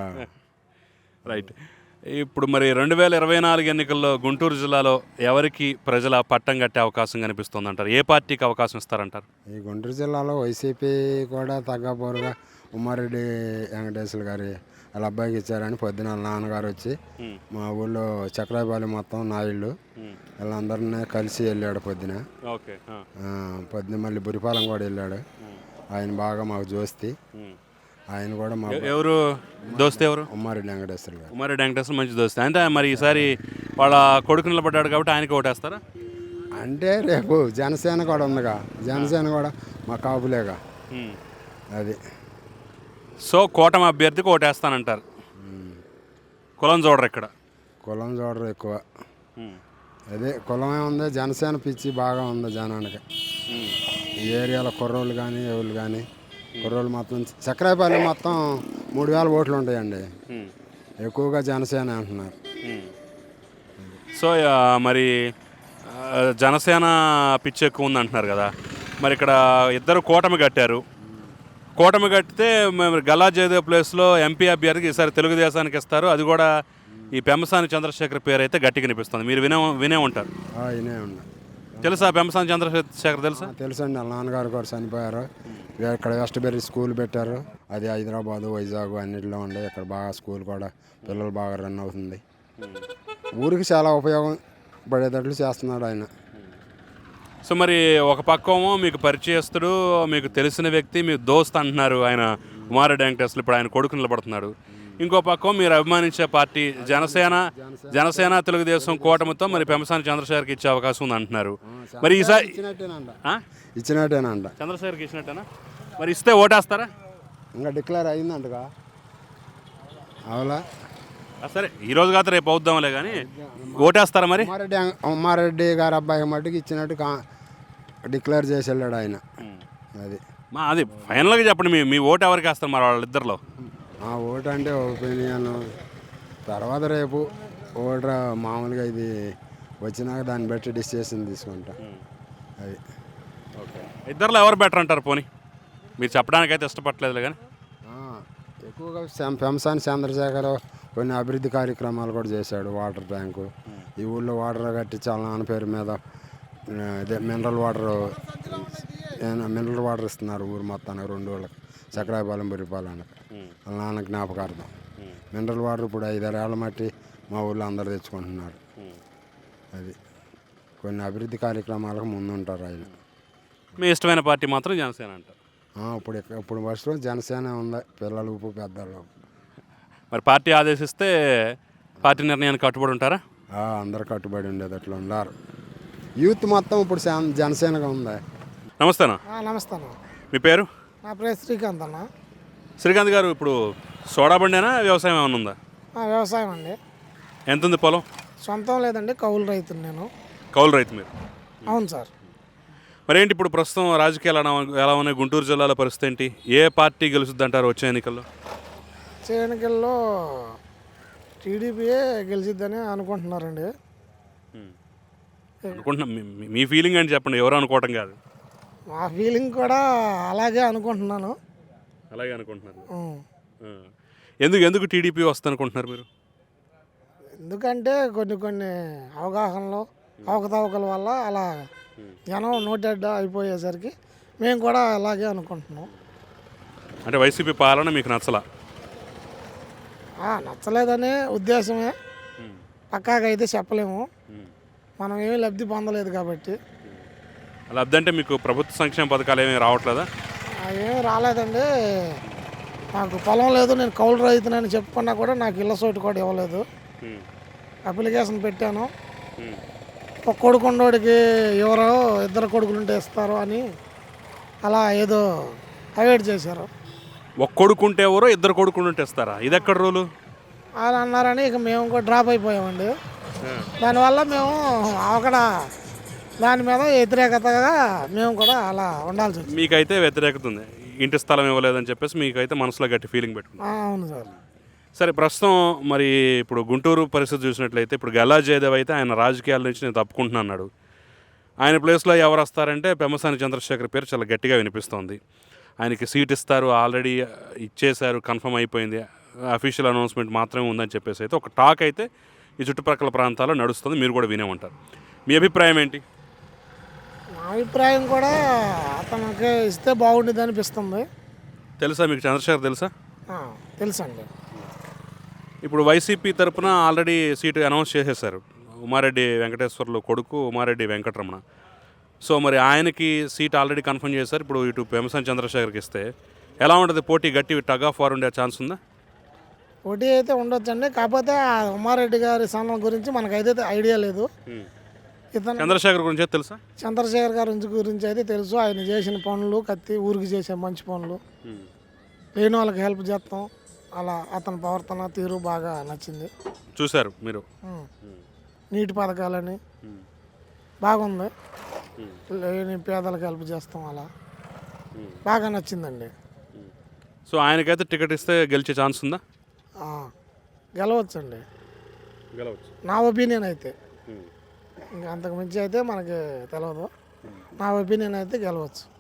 [SPEAKER 1] రైట్. ఇప్పుడు మరి 2024 ఎన్నికల్లో గుంటూరు జిల్లాలో ఎవరికి ప్రజల పట్టం కట్టే అవకాశం కనిపిస్తుంది అంటారు? ఏ పార్టీకి అవకాశం ఇస్తారంటారు?
[SPEAKER 9] ఈ గుంటూరు జిల్లాలో వైసీపీ కూడా తగ్గపోరుగా ఉమ్మారెడ్డి వెంకటేశ్వర గారి వాళ్ళ అబ్బాయికి ఇచ్చారని పొద్దున వాళ్ళ నాన్నగారు వచ్చి మా ఊళ్ళో చక్రాయపాలెం మొత్తం నాయుళ్ళు వీళ్ళందరినీ కలిసి వెళ్ళాడు పొద్దున. పొద్దున మళ్ళీ బురిపాలెం కూడా వెళ్ళాడు. ఆయన బాగా మాకు జోస్తి. ఆయన కూడా మా
[SPEAKER 1] ఎవరు దోస్తే? ఎవరు?
[SPEAKER 9] ఉమ్మారెడ్డి వెంకటేశ్వర గారు.
[SPEAKER 1] ఉమ్మారెడ్డి వెంకటేశ్వర మంచి దోస్తే. అంటే మరి ఈసారి వాళ్ళ కొడుకు నిలబడ్డాడు కాబట్టి ఆయనకి ఓటేస్తారా?
[SPEAKER 9] అంటే రేపు జనసేన కూడా ఉందిగా, జనసేన కూడా మా కాపులేగా. అది
[SPEAKER 1] సో కూటమి అభ్యర్థికి ఓటేస్తానంటారు. కులం చూడరు ఇక్కడ?
[SPEAKER 9] కులం చూడరు ఎక్కువ. అదే కులం ఏముంది, జనసేన పిచ్చి బాగా ఉంది జనానికి. ఈ ఏరియాలో కుర్రోళ్ళు కానీ ఎవరు కానీ కుర్రోళ్ళు మొత్తం చక్రాయపాలెం మొత్తం 3000 ఓట్లు ఉంటాయండి. ఎక్కువగా జనసేన అంటున్నారు.
[SPEAKER 1] సో మరి జనసేన పిచ్చి ఎక్కువ ఉంది అంటున్నారు కదా. మరి ఇక్కడ ఇద్దరు కూటమి కట్టారు. కూటమి కట్టితే గల్లా జయదేవ్ ప్లేస్లో ఎంపీ అభ్యర్థికి ఈసారి తెలుగుదేశానికి ఇస్తారు. అది కూడా ఈ పెమ్మసాని చంద్రశేఖర్ పేరు అయితే గట్టిగా కనిపిస్తుంది. మీరు వినే ఉంటారు. తెలుసా పెమ్మసాని చంద్రశేఖర్? తెలుసా?
[SPEAKER 9] తెలుసండి. వాళ్ళ నాన్నగారు కూడా చనిపోయారు. ఇక్కడ వెస్ట్బెర్రీ స్కూల్ పెట్టారు. అది హైదరాబాదు, వైజాగ్ అన్నింటిలో ఉండే. ఇక్కడ బాగా స్కూల్ కూడా పిల్లలు బాగా రన్ అవుతుంది. ఊరికి చాలా ఉపయోగం పడేటట్లు చేస్తున్నాడు ఆయన.
[SPEAKER 1] సో మరి ఒక పక్కమో మీకు పరిచయస్తుడు, మీకు తెలిసిన వ్యక్తి, మీ దోస్త్ అంటున్నారు ఆయన ఉమారెడ్డి వెంకటేశ్వర. ఇప్పుడు ఆయన కొడుకు నిలబడుతున్నాడు. ఇంకో పక్కం మీరు అభిమానించే పార్టీ జనసేన తెలుగుదేశం కూటమితో మరి పెమ్మసాని చంద్రశేఖర్కి ఇచ్చే అవకాశం ఉంది అంటున్నారు. మరి ఈసారి
[SPEAKER 9] ఇచ్చినట్టేనంట.
[SPEAKER 1] చంద్రశేఖర్కి ఇచ్చినట్టేనా? మరి ఇస్తే ఓటేస్తారా?
[SPEAKER 9] ఇంకా డిక్లేర్ అయిందంటగా. అవులా?
[SPEAKER 1] సరే, ఈరోజు కాదు రేపు అవుద్దాంలే కానీ ఓటేస్తారా మరి?
[SPEAKER 9] ఉమ్మారెడ్డి గారి అబ్బాయి మట్టుకు ఇచ్చినట్టు డిక్లేర్ చేసి వెళ్ళాడు ఆయన.
[SPEAKER 1] అది ఫైనల్గా చెప్పండి, మీ ఓటు ఎవరికి వేస్తారు మరి వాళ్ళిద్దరిలో?
[SPEAKER 9] ఆ ఓటు అంటే ఒపీనియన్ తర్వాత రేపు ఓటు మామూలుగా ఇది వచ్చినాక దాన్ని బట్టి డిసిషన్ తీసుకుంటా. అది
[SPEAKER 1] ఇద్దరిలో ఎవరు బెటర్ అంటారు? పోనీ మీరు చెప్పడానికైతే ఇష్టపడలేదు కానీ
[SPEAKER 9] ఎక్కువగా పెమ్మసాని చంద్రశేఖర్ కొన్ని అభివృద్ధి కార్యక్రమాలు కూడా చేశాడు. వాటర్ ట్యాంకు ఈ ఊళ్ళో వాటర్ కట్టించి వాళ్ళ నాన్న పేరు మీద అదే మినరల్ వాటర్ ఇస్తున్నారు ఊరు మొత్తానికి 2 ఊళ్ళకి, చక్రాయపాలెం, బురిపాలెంకి. వాళ్ళ నాన్న జ్ఞాపకార్థం మినరల్ వాటర్ ఇప్పుడు 5-6 ఏళ్ళ మట్టి మా ఊళ్ళో అందరు తెచ్చుకుంటున్నారు. అది కొన్ని అభివృద్ధి కార్యక్రమాలకు ముందుంటారు ఆయన.
[SPEAKER 1] మీ ఇష్టమైన పార్టీ మాత్రం జనసేన అంటారు?
[SPEAKER 9] ఇప్పుడు ఫస్ట్లో జనసేన ఉంది, పిల్లలు పెద్దలు.
[SPEAKER 1] మరి పార్టీ ఆదేశిస్తే పార్టీ నిర్ణయానికి కట్టుబడి ఉంటారా?
[SPEAKER 9] అందరు కట్టుబడి ఉండేది అట్లా ఉన్నారు. యూత్ మొత్తం ఇప్పుడు జనసేనగా ఉంది.
[SPEAKER 1] నమస్తేనా?
[SPEAKER 10] నమస్తే.
[SPEAKER 1] మీ పేరు?
[SPEAKER 10] నా పేరు శ్రీకాంత్ అన్న.
[SPEAKER 1] శ్రీకాంత్ గారు, ఇప్పుడు సోడా బండేనా వ్యవసాయం ఏమైనా ఉందా?
[SPEAKER 10] వ్యవసాయం అండి.
[SPEAKER 1] ఎంత ఉంది పొలం?
[SPEAKER 10] సొంతం లేదండి, కౌలు రైతుని నేను.
[SPEAKER 1] కౌలు రైతు మీరు?
[SPEAKER 10] అవును సార్.
[SPEAKER 1] మరేంటి ఇప్పుడు ప్రస్తుతం రాజకీయాలు ఎలా ఉన్నాయి గుంటూరు జిల్లాలో పరిస్థితి ఏంటి? ఏ పార్టీ గెలుస్తుంది అంటారు వచ్చే ఎన్నికల్లో?
[SPEAKER 10] వచ్చే ఎన్నికల్లో టీడీపీయే గెలిచిద్దని అనుకుంటున్నారండి.
[SPEAKER 1] అనుకుంటున్నా మీ ఫీలింగ్ అని చెప్పండి, ఎవరు అనుకోవటం కాదు.
[SPEAKER 10] మా ఫీలింగ్ కూడా అలాగే అనుకుంటున్నాను.
[SPEAKER 1] అలాగే అనుకుంటున్నారు.
[SPEAKER 10] ఉం.
[SPEAKER 1] ఎందుకు టీడీపీ వస్తుంది అనుకుంటున్నారు మీరు?
[SPEAKER 10] ఎందుకంటే కొన్ని అవగాహనలో అవకతవకల వల్ల అలా జనం నోటెడ్డ అయిపోయేసరికి మేము కూడా అలాగే అనుకుంటున్నాం.
[SPEAKER 1] అంటే వైసీపీ పాలన మీకు నచ్చలా?
[SPEAKER 10] నచ్చలేదనే ఉద్దేశమే, పక్కాగా అయితే చెప్పలేము. మనం ఏమీ లబ్ధి పొందలేదు కాబట్టి.
[SPEAKER 1] లబ్ధి అంటే మీకు ప్రభుత్వ సంక్షేమ పథకాలు ఏమీ రావట్లేదా?
[SPEAKER 10] ఏమీ రాలేదండి. నాకు పొలం లేదు, నేను కౌలు రైతునని చెప్పుకున్నా కూడా నాకు ఇళ్ళ చోటు కూడా ఇవ్వలేదు. అప్లికేషన్ పెట్టాను, ఒక కొడుకున్నోడికి ఎవరో ఇద్దరు కొడుకులుంటే ఇస్తారు అని అలా ఏదో అవాయిడ్ చేశారు.
[SPEAKER 1] ఒక కొడుకుంటే ఎవరో ఇద్దరు కొడుకుంటే ఇస్తారా? ఇది ఎక్కడ రూలు?
[SPEAKER 10] అలా అన్నారని ఇక మేము కూడా డ్రాప్ అయిపోయామండి. దానివల్ల మేము అక్కడ దాని మీద వ్యతిరేకతగా మేము కూడా అలా ఉండాల్సి వచ్చింది.
[SPEAKER 1] మీకైతే వ్యతిరేకత ఉంది, ఇంటి స్థలం ఇవ్వలేదని చెప్పేసి మీకైతే మనసులో గట్టి ఫీలింగ్ పెట్టుకున్నాం.
[SPEAKER 10] అవును సార్.
[SPEAKER 1] సరే, ప్రస్తుతం మరి ఇప్పుడు గుంటూరు పరిస్థితి చూసినట్లయితే ఇప్పుడు గల్లా జయదేవ్ అయితే ఆయన రాజకీయాల నుంచి నేను తప్పుకుంటున్నా అన్నాడు. ఆయన ప్లేస్లో ఎవరు వస్తారంటే పెమ్మసాని చంద్రశేఖర్ పేరు చాలా గట్టిగా వినిపిస్తోంది. ఆయనకి సీట్ ఇస్తారు, ఆల్రెడీ ఇచ్చేశారు, కన్ఫర్మ్ అయిపోయింది, అఫీషియల్ అనౌన్స్మెంట్ మాత్రమే ఉందని చెప్పేసి అయితే ఒక టాక్ అయితే ఈ చుట్టుపక్కల ప్రాంతాల్లో నడుస్తుంది. మీరు కూడా వినే ఉంటారు. మీ అభిప్రాయం ఏంటి?
[SPEAKER 10] మా అభిప్రాయం కూడా అతనికి ఇస్తే బాగుండేది అనిపిస్తుంది.
[SPEAKER 1] తెలుసా మీకు చంద్రశేఖర్ తెలుసా?
[SPEAKER 10] తెలుసండి.
[SPEAKER 1] ఇప్పుడు వైసీపీ తరపున ఆల్రెడీ సీటు అనౌన్స్ చేసేశారు. ఉమారెడ్డి వెంకటేశ్వర్లు కొడుకు ఉమారెడ్డి వెంకటరమణ. సో మరి ఆయనకి సీట్ ఆల్రెడీ కన్ఫర్మ్ చేశారు. ఇప్పుడు ఇటు పెమ్మసాని చంద్రశేఖర్కి ఇస్తే ఎలా ఉంటుంది? పోటీ గట్టి టగ్ ఆఫ్ వార్ ఉండే ఛాన్స్ ఉందా?
[SPEAKER 10] పోటీ అయితే ఉండొచ్చండి. కాకపోతే ఆ ఉమారెడ్డి గారి స్థానం గురించి మనకైతే ఐడియా లేదు. ఇతను
[SPEAKER 1] చంద్రశేఖర్ గురించి తెలుసా?
[SPEAKER 10] చంద్రశేఖర్ గారి గురించి అయితే తెలుసు. ఆయన చేసిన పనులు, ఊరికి చేసే మంచి పనులు, లేని వాళ్ళకి హెల్ప్ చేస్తాం, అలా అతని ప్రవర్తన తీరు బాగా నచ్చింది.
[SPEAKER 1] చూశారు మీరు?
[SPEAKER 10] నీటి పథకాలని బాగుంది, లేని పేదలకు హెల్ప్ చేస్తాం, అలా బాగా నచ్చిందండి.
[SPEAKER 1] సో ఆయనకైతే టికెట్ ఇస్తే గెలిచే ఛాన్స్ ఉందా?
[SPEAKER 10] గెలవచ్చండి,
[SPEAKER 1] గెలవచ్చు
[SPEAKER 10] నా ఒపీనియన్ అయితే. ఇంకా అంతకు మించి అయితే మనకి తెలియదు. నా ఒపీనియన్ అయితే గెలవచ్చు.